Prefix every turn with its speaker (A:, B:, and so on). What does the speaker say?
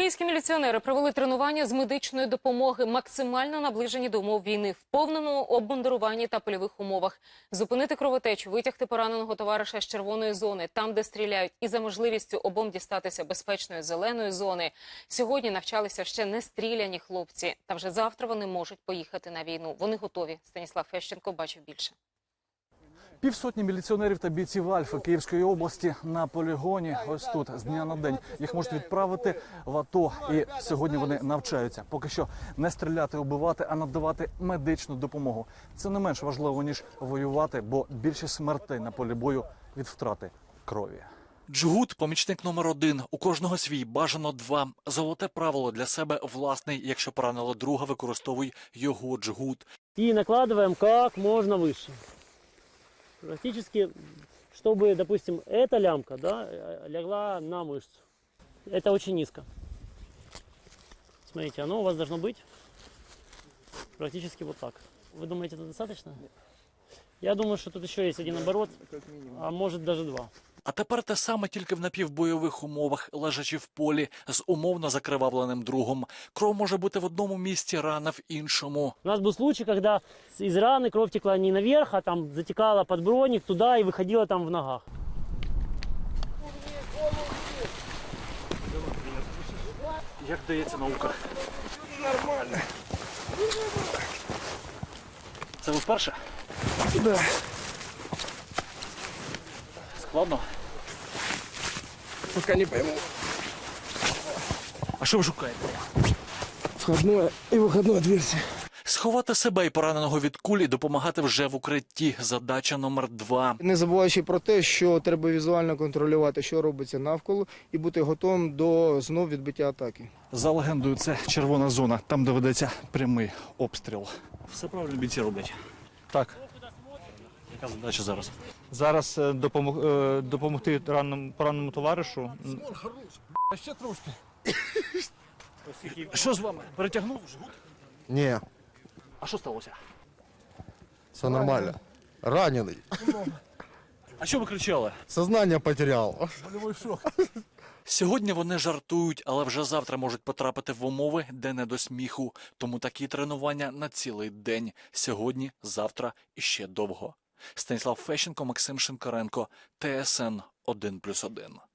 A: Київські міліціонери провели тренування з медичної допомоги, максимально наближені до умов війни, в повному обмундируванні та польових умовах. Зупинити кровотечу, витягти пораненого товариша з червоної зони, там, де стріляють, і за можливістю обом дістатися безпечної зеленої зони. Сьогодні навчалися ще не стріляні хлопці, та вже завтра вони можуть поїхати на війну. Вони готові. Станіслав Фещенко бачив більше.
B: Півсотні міліціонерів та бійців Альфи Київської області на полігоні ось тут з дня на день. Їх можуть відправити в АТО, і сьогодні вони навчаються. Поки що не стріляти, убивати, а надавати медичну допомогу. Це не менш важливо, ніж воювати, бо більшість смертей на полі бою від втрати крові.
C: Джгут – помічник номер 1. У кожного свій, бажано 2. Золоте правило для себе власний. Якщо поранило друга, використовуй його джгут.
D: И накладываем как можно выше. Практически, чтобы, допустим, эта лямка, да, легла на мышцу. Это очень низко. Смотрите, оно у вас должно быть практически вот так. Вы думаете, это достаточно? Я думаю, что тут еще есть один оборот, а может даже 2.
C: А тепер те саме, тільки в напівбойових умовах, лежачи в полі, з умовно закривавленим другом. Кров може бути в одному місці, рана в іншому.
D: У нас был случай, когда из раны кровь текла не наверх, а там затекала под броник туда и выходила там в ногах.
B: Як дається наука?
E: Нормально.
B: Це ви вперше?
E: Да.
B: Складно?
E: Пока не пойму.
B: А що ви шукаєте?
E: Входное и выходное отверстие.
C: Сховати себе і пораненого від кулі, допомагати вже в укритті. Задача номер 2.
E: Не забуваючи про те, що треба візуально контролювати, що робиться навколо, і бути готовим до знов відбиття атаки.
B: За легендою, це червона зона, там, де ведеться прямий обстріл. Все правильно бійці роблять.
F: Так,
B: Яка задача зараз?
F: зараз допомогти пораненому товаришу.
E: Ще трошки.
B: Що з вами? Перетягнув жгут?
G: Ні,
B: А що сталося?
G: все нормально. Ранений.
B: А що ви кричали?
G: Сознання потеряв.
C: Сьогодні вони жартують, але вже завтра можуть потрапити в умови, де не до сміху. Тому такі тренування на цілий день. Сьогодні, завтра і ще довго. Станіслав Фещенко, Максим Шинкаренко, ТСН 1+1.